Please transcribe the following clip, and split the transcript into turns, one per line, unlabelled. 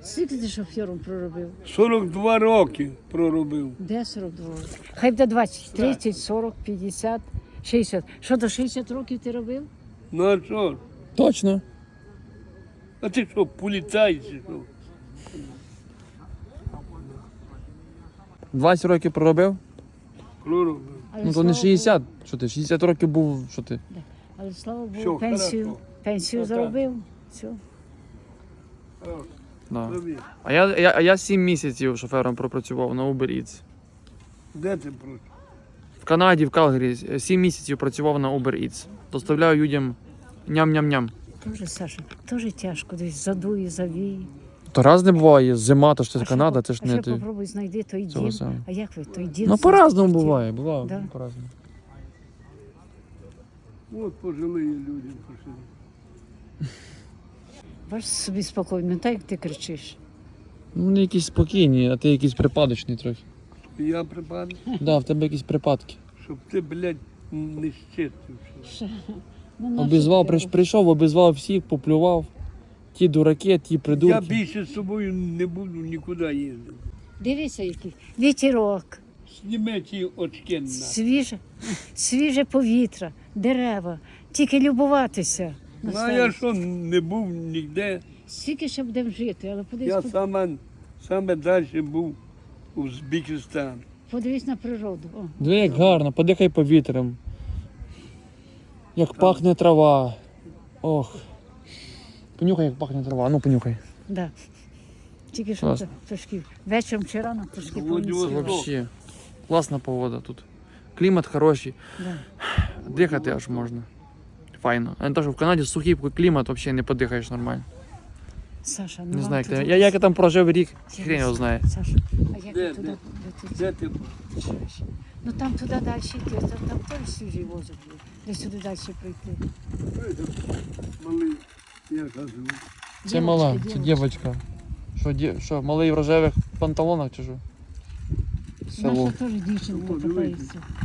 Скільки ти шофером проробив?
42 роки проробив.
Де 42? Хай буде 20, 30, 40, 50, 60. Що, до 60 років ти робив?
Ну а що? ж?
Точно.
А ти що, поліцай чи що?
20 років проробив?
Проробив.
Але,
Ну то не
слава
60. Що ти, 60 років був, що ти?
Богу, але слава Богу,
Що,
пенсію,
хорошо.
пенсію
Отак.
заробив. Все.
Да.
Робив.
А я 7 місяців шофером пропрацював на Uber Eats.
Де ти працюєш?
В Канаді, в Калгарі 7 місяців працював на Uber Eats. Доставляю людям ням-ням-ням.
Тоже, Саша, теж тяжко, десь задує, завіє.
То раз не буває, зима, то ж це
А
Канада,
ще
це ж
а
не
ще
ти.
попробуй знайди той
Цього
дім.
самого.
А як ви, той дім?
Ну по-разному буває, буває,
Да.
по-разному.
От пожилі люди пішли.
Бачиш собі спокійно, не так як ти кричиш.
Ну вони якісь спокійні, а ти якийсь припадочний трохи.
Я припадав,
Да, в тебе якісь припадки.
щоб ти, блядь, не щитився.
Ну, нащо
Обізвав,
ти
прийшов, обізвав всіх, поплював. Ті дураки, ті
Я
придурки.
більше з собою не буду нікуди їздити.
Дивися, який вітерок,
Зніми ті очки на.
свіже повітря, дерева, тільки любуватися. на
Ну а я
старість.
що не був ніде.
Скільки ще будемо жити, але
Я
подивись,
саме далі був у Узбекистані.
подивись на природу. О,
Диви, як гарно, подихай повітрям. Як пахне трава. Ох. Понюхай, як пахне трава. Ну, понюхай.
да. Тільки що
Класно.
трошки вечором чи рано трошки
Володимир,
понесіло.
Вообще. Класна погода тут. Клімат хороший.
Да.
Дихати аж можна. Файно. А не то, що в Канаді сухий клімат, взагалі не подихаєш нормально.
Саша, ну
Не
вам
знаю, як
туди-
ти. Я там прожив рік,
Я
хрен його
не
знає.
Саша, а як
Де,
ти туди?
де?
Де ти?
Де ти?
Чуєш? Ну там туди далі йти, там теж свіжий воздух є. Де сюди далі пройти.
Малий, я кажу.
Це мала, це дівчинка. Що, малий в рожевих панталонах чи що? Село.
Наша теж дівчинка
Ну, дивись.
катається.